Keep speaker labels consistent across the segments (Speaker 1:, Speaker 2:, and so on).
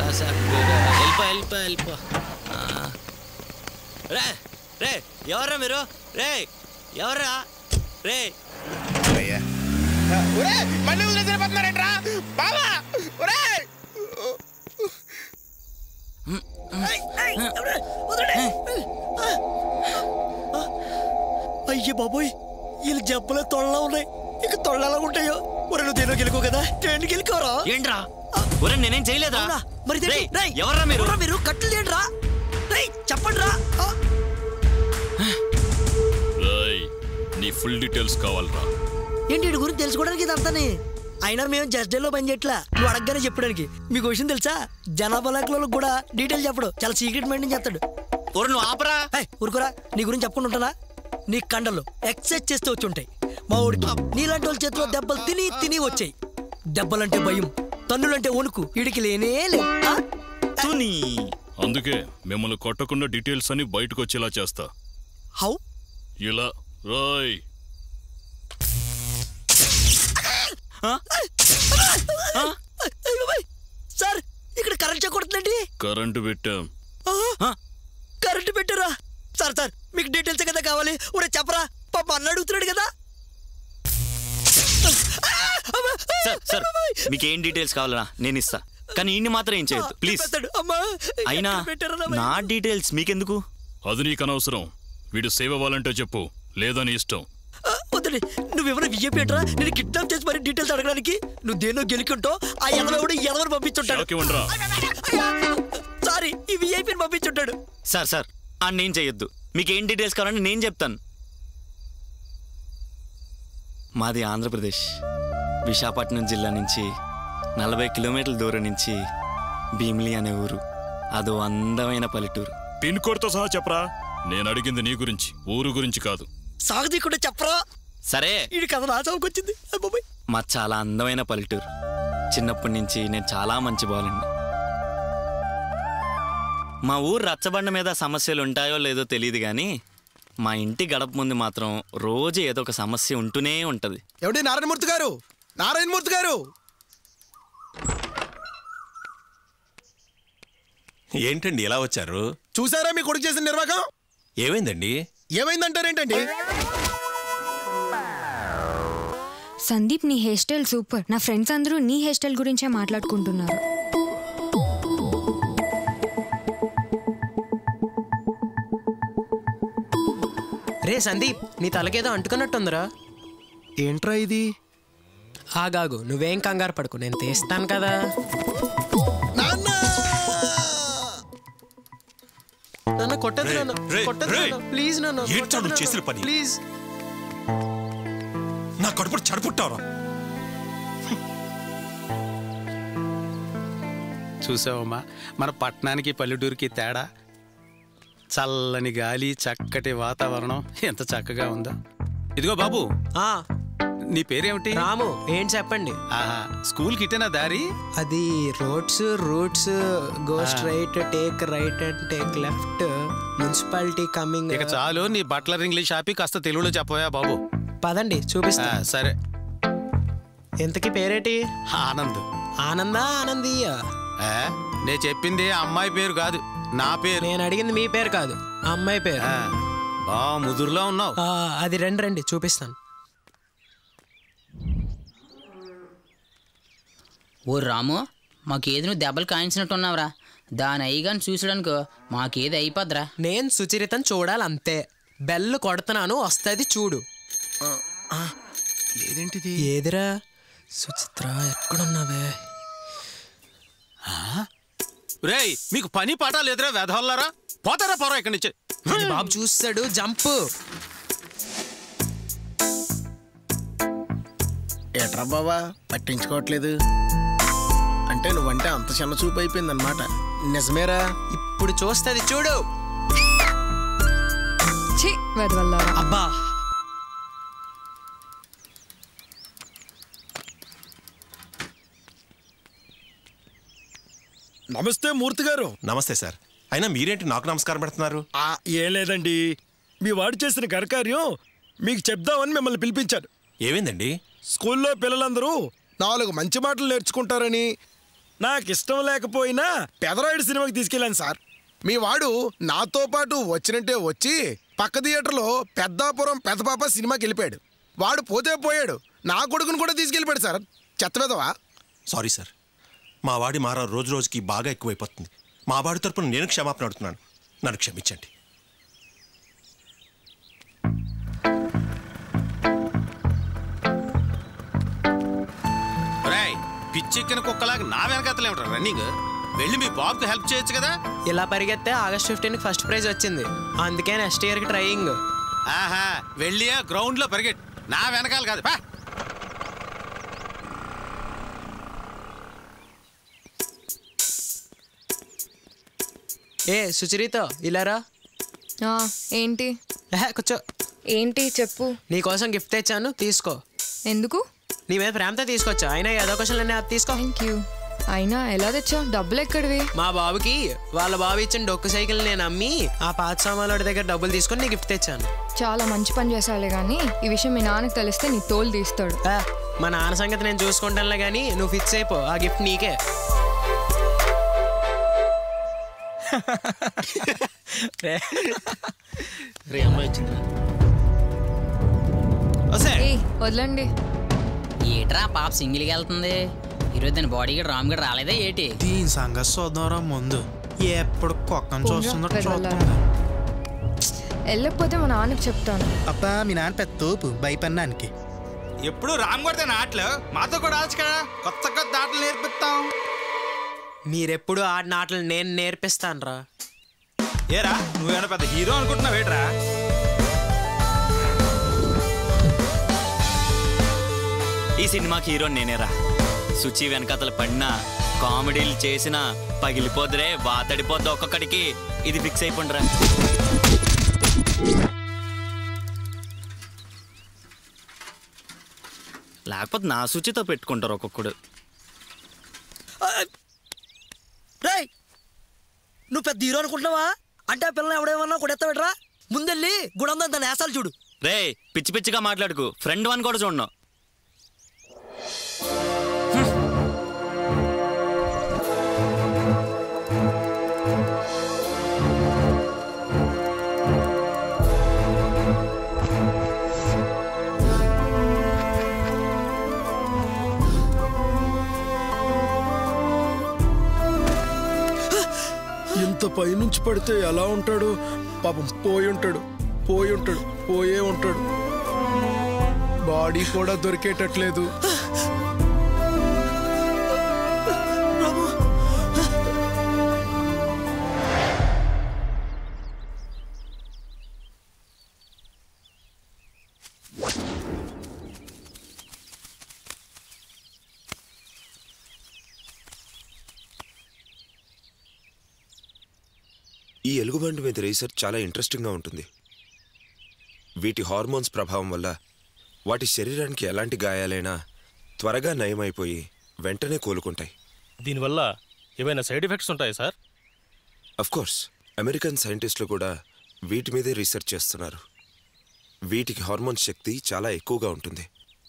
Speaker 1: వెళ్ళిపో రే రే ఎవర్రా మీరు రే ఎవర్రా రే
Speaker 2: మళ్ళీ వదిలేసిపోతున్నారేంట్రా బాబా
Speaker 3: అయ్యే బాబోయ్ వీళ్ళు జబ్బులే తొళ్ళలా ఉన్నాయి ఇక తొళ్ళలా ఉంటాయో ఒరే నువ్వు దేనో గెలుకో కదా ట్రైన్కి వెళ్ళికోరా
Speaker 1: ఏంట్రా ఒరే నేనేం చేయలేదా
Speaker 3: మరి
Speaker 1: ఎవర్రా
Speaker 3: మీరు కట్టలు ఏంట్రా చెప్పండి రా
Speaker 4: నీ ఫుల్ డీటెయిల్స్ కావాలరా
Speaker 3: ఏంటి వీడి గురించి తెలుసుకోవడానికి ఇదంతానే అయినా మేము జస్ట్ డేలో పని చేయట్లా నువ్వు అడగగానే చెప్పడానికి మీకు విషయం తెలుసా జనాభా లెక్కలకు కూడా డీటెయిల్ చెప్పడు చాలా సీక్రెట్ మెయింటైన్ చేస్తాడు
Speaker 1: నువ్వు ఆపరా
Speaker 3: ఊరుకోరా నీ గురించి చెప్పుకుంటూ ఉంటానా నీ కండలు ఎక్సర్సైజ్ చేస్తూ వచ్చి ఉంటాయి మా ఊడికి నీలాంటి వాళ్ళ చేతిలో దెబ్బలు తిని వచ్చాయి దెబ్బలంటే భయం తన్నులంటే వణుకు వీడికి లేనే లేదు
Speaker 4: అందుకే మిమ్మల్ని కొట్టకుండా డీటెయిల్స్ అని బయటకు వచ్చేలా చేస్తా
Speaker 3: హౌ
Speaker 4: ఇలా రాయ్
Speaker 3: సార్ ఇక్కడ కరెంట్ చెక్ కొడుతుందండి
Speaker 4: కరెంటు పెట్టాం
Speaker 3: కరెంటు పెట్టారా సార్ సార్ మీకు డీటెయిల్స్ కదా కావాలి ఊరే చెప్పరా పాప అన్న అడుగుతున్నాడు కదా
Speaker 1: సార్ మీకేం డీటెయిల్స్ కావాలనా నేను ఇస్తా కానీ ఇన్ని మాత్రం ఏం చేయొద్దు ప్లీజ్ అయినా నా డీటెయిల్స్ మీకెందుకు
Speaker 4: అది నీకు అనవసరం వీడు సేవ్ అవ్వాలంటే చెప్పు లేదని ఇష్టం
Speaker 3: వద్దండి నువ్వేమైనా విజయపేటరా నేను కిడ్నాప్ చేసి మరి డీటెయిల్స్ అడగడానికి నువ్వు దేనో గెలుకుంటో ఆ ఎదవడు పంపించుంటాడు సారీ ఈ విఐపీని పంపించుంటాడు
Speaker 1: సార్ నేను చేయొద్దు మీకేం డీటెయిల్స్ కావాలని నేను చెప్తాను మాది ఆంధ్రప్రదేశ్ విశాఖపట్నం జిల్లా నుంచి 40 కిలోమీటర్ల దూరం నుంచి భీమిలి అనే ఊరు అదో అందమైన పల్లెటూరు
Speaker 4: పిన్ కోడ్తో సహా చెప్పరా నేను అడిగింది నీ గురించి ఊరు గురించి కాదు
Speaker 3: సాగదీ కూడా చెప్పరా
Speaker 1: సరే
Speaker 3: ఈ కథ నా చౌకొచ్చింది
Speaker 1: మా చాలా అందమైన పల్లెటూరు చిన్నప్పటి నుంచి నేను చాలా మంచి బాలుండి మా ఊరు రచ్చబండ మీద సమస్యలు ఉంటాయో లేదో తెలియదు కానీ మా ఇంటి గడప ముందు మాత్రం రోజు ఏదో ఒక సమస్య ఉంటూనే ఉంటది
Speaker 2: ఎవడి నారాయణమూర్తి గారు
Speaker 5: ఏంటండి ఎలా వచ్చారు
Speaker 2: చూసారా మీ కొడుకు చేసిన నిర్వాహకం
Speaker 5: ఏమైందండి
Speaker 2: ఏమైందంటారేంటండి
Speaker 6: సందీప్ నీ హెయిర్ స్టైల్ సూపర్ నా ఫ్రెండ్స్ అందరూ నీ హెయిర్ స్టైల్ గురించే మాట్లాడుకుంటున్నారు
Speaker 7: రే సందీప్ నీ తలకేదో అంటుకున్నట్టుందిరా
Speaker 2: ఏంట్రా ఇది
Speaker 7: ఆగాగు నువ్వేం కంగారు పడుకు నేను తీస్తాను కదా నాన్న కొట్టదు ప్లీజ్ నాన్న
Speaker 5: చేసిన పని
Speaker 7: ప్లీజ్
Speaker 5: నా కడుపు చడుపుట్టావరా
Speaker 8: చూసావమ్మా మన పట్టణానికి పల్లెటూరికి తేడా చల్లని గాలి చక్కటి వాతావరణం ఎంత చక్కగా ఉందో ఇదిగో బాబు నీ పేరేమిటి
Speaker 7: రాము ఏంటి చెప్పండి
Speaker 8: స్కూల్కి ఇటేనా దారి
Speaker 7: అది routes go straight take right and take left municipality coming
Speaker 8: ఇక చాలు నీ బట్లర్ ఇంగ్లీష్ ఆపి కాస్త తెలుగులో చెప్పవా బాబు
Speaker 7: పదండి చూపిస్తా
Speaker 8: సరే
Speaker 7: ఎంతకి పేరేటి ఆనందీయ
Speaker 8: నేను చెప్పింది అమ్మాయి పేరు కాదు నా పేరు
Speaker 7: నేను అడిగింది మీ పేరు కాదు అమ్మాయి పేరు
Speaker 8: బా ముదురులో ఉన్నావు
Speaker 7: అది రండి చూపిస్తాను
Speaker 9: ఓ రాము మాకేది నువ్వు దెబ్బలు కాయించినట్టున్నావురా దాని అయ్యగాని చూసడానికో మాకేది అయిపోద్రా
Speaker 7: నేను సుచరితను చూడాలంతే బెల్ కొడుతున్నాను వస్తుంది చూడు
Speaker 2: లేదేంటిది
Speaker 7: ఏదిరా సుచిత్ర ఎక్కడున్నావే
Speaker 8: రేయ్ మీకు పని పాట లేదురా వెధవల్లారా పోతారా పోరా ఇక్కడి నుంచి
Speaker 7: బాబు చూస్తాడు జంప్
Speaker 2: ఏట్రా బాబా పట్టించుకోవట్లేదు అంటే నువ్వంటే అంత చిన్న చూపు అయిపోయింది అనమాట నిజమేరా
Speaker 7: ఇప్పుడు చూస్తుంది చూడు
Speaker 6: అబ్బా
Speaker 2: నమస్తే మూర్తి గారు
Speaker 5: నమస్తే సార్ అయినా మీరేంటి నాకు నమస్కారం పెడుతున్నారు
Speaker 2: ఏం లేదండి మీ వాడు చేసిన ఘనకార్యం మీకు చెప్దామని మిమ్మల్ని పిలిపించారు
Speaker 5: ఏమైందండి
Speaker 2: స్కూల్లో పిల్లలందరూ 4 మంచి మాటలు నేర్చుకుంటారని నాకు ఇష్టం లేకపోయినా పెదరాయుడు సినిమాకి తీసుకెళ్ళాను సార్. మీ వాడు నాతో పాటు వచ్చినట్టే వచ్చి పక్క థియేటర్లో పెద్దాపురం పెద్దపాప సినిమాకి వెళ్ళిపోయాడు. వాడు పోతే పోయాడు, నా కొడుకును కూడా తీసుకెళ్ళిపోయాడు సార్. చెత్త పెదవా.
Speaker 5: సారీ సార్, మా వాడి మారా రోజు రోజుకి బాగా ఎక్కువైపోతుంది. మా వాడి తరపున నేను క్షమాపణ అడుగుతున్నాను, నన్ను క్షమించండి.
Speaker 8: పిచ్చెక్కిన కుక్కలాగా నా వెనకతలే ఉంటారు రన్నింగ్. వెళ్ళి మీ బాబుకి హెల్ప్ చేయొచ్చు కదా.
Speaker 7: ఇలా పరిగెత్తే August 15 ఫస్ట్ ప్రైజ్ వచ్చింది, అందుకే నెక్స్ట్ ఇయర్కి ట్రైయింగ్.
Speaker 8: ఆహా, వెళ్ళి గ్రౌండ్ లో పరిగెట్టు, నా వెనకాల కాదు.
Speaker 7: ఏ సుచరిత ఇలారా.
Speaker 6: ఏంటి?
Speaker 7: కూర్చో.
Speaker 6: ఏంటి చెప్పు.
Speaker 7: నీకోసం గిఫ్ట్ తెచ్చాను, తీసుకో.
Speaker 6: ఎందుకు?
Speaker 7: నీ మీద ప్రేమతో తీసుకొచ్చా. అయినా ఏదో క్వశ్చన్ తీసుకో.
Speaker 6: Thank you. అయినా ఎలా తెచ్చావు? డబ్బులు ఎక్కడివి?
Speaker 7: మా బాబుకి వాళ్ళ బాబు ఇచ్చిన డొక్కు సైకిల్ నేను అమ్మి ఆ పాత సామాన్ల దగ్గర డబ్బులు తీసుకొని నీ గిఫ్ట్ తెచ్చాను.
Speaker 6: చాలా మంచి పని చేసావులే కానీ ఈ విషయం మీ నాన్నకి తెలిస్తే నీ తోలు తీస్తాడు.
Speaker 7: మా నాన్న సంగతి నేను చూసుకుంటానులే కానీ నువ్వు ఫిక్స్ అయిపో, ఆ గిఫ్ట్ నీకే.
Speaker 6: వదలండి.
Speaker 9: ఏట్రా పాప సింగిల్గా వెళ్తుంది ఈరోజు? దాని బాడీ గడ్ రామ్ గడ్ రాలేదా ఏటి?
Speaker 10: దీని సంగతి చూద్దాంరా ముందు. ఎప్పుడు కుక్కను చూస్తుందో
Speaker 6: వెళ్ళకపోతే మా నాన్నకి చెప్తాను.
Speaker 10: అబ్బా మీ నాన్న పెద్ద తోపు భయపడినానికి.
Speaker 8: ఎప్పుడు రామ్ కొడితే ఆటలు మాతో కూడా ఆడచ్చు కదా, కొత్త కొత్త ఆటలు నేర్పిస్తాం.
Speaker 7: మీరెప్పుడు ఆడిన ఆటలు నేను నేర్పిస్తాను రా.
Speaker 8: ఏరా నువ్వేమైనా పెద్ద హీరో అనుకుంటున్నావు ఏట్రా?
Speaker 1: ఈ సినిమాకి హీరో నేనేరా. సుచి వెనకతలు పడినా కామెడీలు చేసినా పగిలిపోద్దురే, వాతడిపోద్దు ఒక్కొక్కడికి. ఇది ఫిక్స్ అయిపోండిరా. లేకపోతే నా సుచితో పెట్టుకుంటారు ఒక్కొక్కడు.
Speaker 3: నువ్వు పెద్ద హీరో అనుకుంటున్నావా? అంటే ఆ పిల్లలు ఎవడేమన్నా కూడా ఎత్తబెట్టరా. ముందెళ్ళి గుడందా దాని వేసాలు చూడు.
Speaker 1: రే పిచ్చి పిచ్చిగా మాట్లాడుకు, ఫ్రెండ్ వన్ కూడా చూడను.
Speaker 2: ఇంత పైనుంచి పడితే ఎలా ఉంటాడు పాపం. పోయే ఉంటాడు. బాడీ కూడా దొరికేటట్లేదు.
Speaker 11: ఈ ఎలుగుబంటి మీద రీసెర్చ్ చాలా ఇంట్రెస్టింగ్గా ఉంటుంది. వీటి హార్మోన్స్ ప్రభావం వల్ల వాటి శరీరానికి ఎలాంటి గాయాలైనా త్వరగా నయమైపోయి వెంటనే కోలుకుంటాయి.
Speaker 12: దీనివల్ల ఏమైనా సైడ్ ఎఫెక్ట్స్ ఉంటాయా సార్?
Speaker 11: అఫ్కోర్స్, అమెరికన్ సైంటిస్టులు కూడా వీటి మీదే రీసెర్చ్ చేస్తున్నారు. వీటికి హార్మోన్ శక్తి చాలా ఎక్కువగా ఉంటుంది.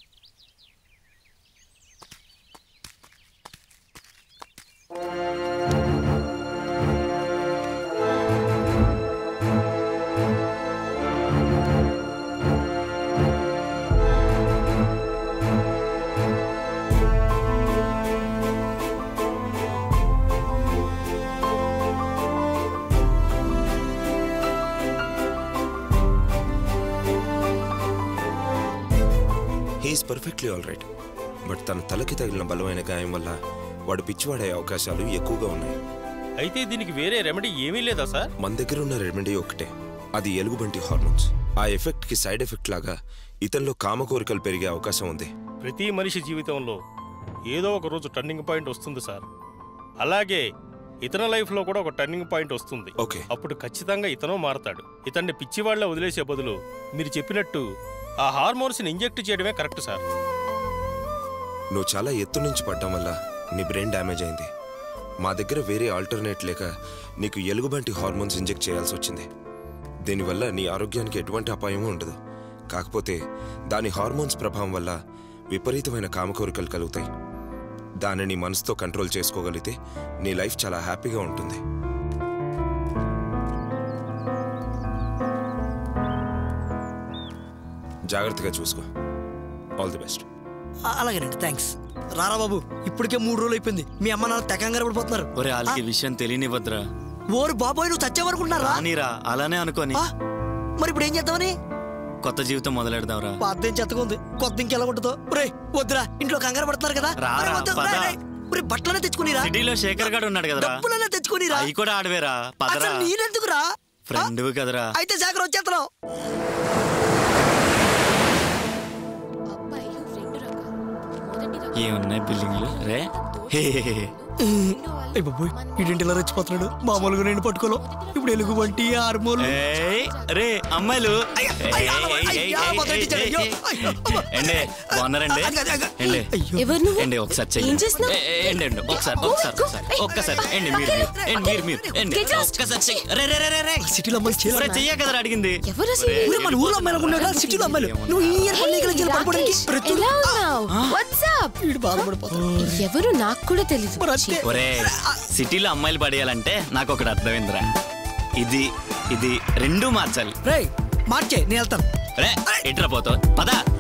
Speaker 11: He's perfectly all right. But తన తలకి తగిలిన బలమైన గాయం వల్ల వాడు పిచ్చివాడే అవకాశాలు ఎక్కువగా ఉన్నాయి.
Speaker 12: అయితే దీనికి వేరే రెమెడీ ఏమీ లేదా సార్?
Speaker 11: మన దగ్గర ఉన్న రెమెడీ ఒకటే, అది ఎలుగుబంటి హార్మోన్స్. ఆ ఎఫెక్ట్ కి సైడ్ ఎఫెక్ట్ లాగా ఇతనిలో కామ కోరికలు పెరిగే అవకాశం ఉంది.
Speaker 12: ప్రతి మనిషి జీవితంలో ఏదో ఒక రోజు టర్నింగ్ పాయింట్ వస్తుంది సార్. అలాగే ఇతని లైఫ్ లో కూడా ఒక టర్నింగ్ పాయింట్ వస్తుంది.
Speaker 11: ఓకే,
Speaker 12: అప్పుడు ఖచ్చితంగా ఇతను మారతాడు. ఇతన్ని పిచ్చివాళ్ల వదిలేసే బదులు మీరు చెప్పినట్టు ఆ హార్మోన్స్ ని ఇంజెక్ట్ చేయడమే కరెక్ట్ సార్.
Speaker 11: నువ్వు చాలా ఎత్తు నుంచి పడ్డం వల్ల నీ బ్రెయిన్ డ్యామేజ్ అయింది. మా దగ్గర వేరే ఆల్టర్నేట్ లేక నీకు ఎలుగుబంటి హార్మోన్స్ ఇంజెక్ట్ చేయాల్సి వచ్చింది. దీనివల్ల నీ ఆరోగ్యానికి ఎటువంటి అపాయమూ ఉండదు. కాకపోతే దాని హార్మోన్స్ ప్రభావం వల్ల విపరీతమైన కామకోరికలు కలుగుతాయి. దానిని మనసుతో కంట్రోల్ చేసుకోగలిగితే నీ లైఫ్ చాలా హ్యాపీగా ఉంటుంది. జాగ్రత్తగా చూసుకో. All the best.
Speaker 3: అలాగేనండి, థ్యాంక్స్. రారా బాబు, ఇప్పటికే 3 రోజులు అయిపోయింది. మీ అమ్మ నాన్న తెకంగారు పడిపోతున్నారు.
Speaker 1: ఒరే వాళ్ళకి విషయం తెలియనివ్వద్దురా.
Speaker 3: ఓరు బాబోయ్, నువ్వు చచ్చేవనుకుంటున్నారా?
Speaker 1: నీరా అలానే అనుకోని.
Speaker 3: మరి ఇప్పుడు ఏం చేద్దామని?
Speaker 1: కొత్త జీవితం మొదలెడదాంరా.
Speaker 3: పాత చెత్తగా ఉంది, కొత్త ఇంకెలా ఉంటుందో. రే వద్దురా, ఇంట్లో కంగారు పడుతున్నారు కదా. బట్టలనే తెచ్చుకునిరా.
Speaker 1: సిటీలో శేఖర్ గారు ఉన్నాడు కదరా,
Speaker 3: డబ్బులనే తెచ్చుకునిరా.
Speaker 1: అవి కూడా ఆడవేరా. పదరా,
Speaker 3: నేనెందుకురా?
Speaker 1: ఫ్రెండ్ కదరా.
Speaker 3: అయితే శేఖర్ వచ్చేస్తున్నావు.
Speaker 1: ఏమున్నాయి బిల్డింగ్లు రే.
Speaker 3: బాబోయ్, ఇదేంటి ఇలా రెచ్చిపోతున్నాడు? మామూలుగా నేను పట్టుకోలో, ఇప్పుడు ఎలుగు వంటి హార్మోన్.
Speaker 1: రే అమ్మాయిలు బాగున్నారండి? ఒకసారి చెయ్య కదా అడిగింది.
Speaker 3: మన ఊర్లో అమ్మాయిలు, సిటీలో అమ్మాయిలు. నువ్వు
Speaker 13: ఎవరు నాకు కూడా తెలియదు.
Speaker 1: సిటీలో అమ్మాయిలు పడేయాలంటే నాకు ఒకటి అర్థమైందిరా. ఇది ఇది రెండూ మార్చాలి.
Speaker 3: మార్చే నేను వెళ్తాను.
Speaker 1: రే ఎట్రా పోతావు, పదా.